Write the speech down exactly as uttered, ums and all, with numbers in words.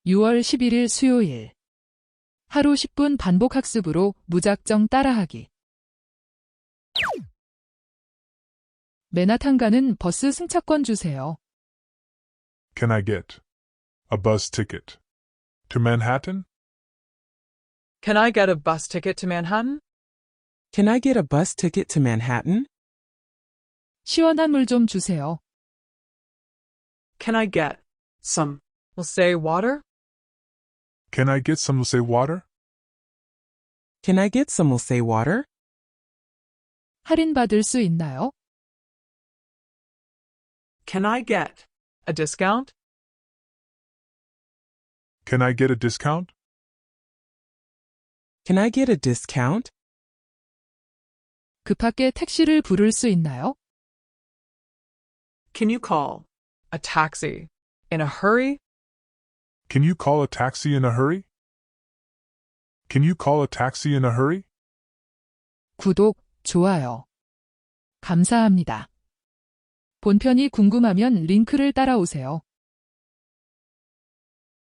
유월 십일일 수요일. 하루 십 분 반복 학습으로 무작정 따라하기. 맨하탄 가는 버스 승차권 주세요. Can I get a bus ticket to Manhattan? Can I get a bus ticket to Manhattan? Can I get a bus ticket to Manhattan? 시원한 물 좀 주세요. Can I get some, we'll say water? Can I get some, say, water? Can I get some, we'll say water? 할인받을 수 있나요? Can I get a discount? Can I get a discount? Can I get a discount? 급하게 택시를 부를 수 있나요? Can you call a taxi in a hurry? Can you call a taxi in a hurry? Can you call a taxi in a hurry? 구독, 좋아요. 감사합니다. 본편이 궁금하면 링크를 따라오세요.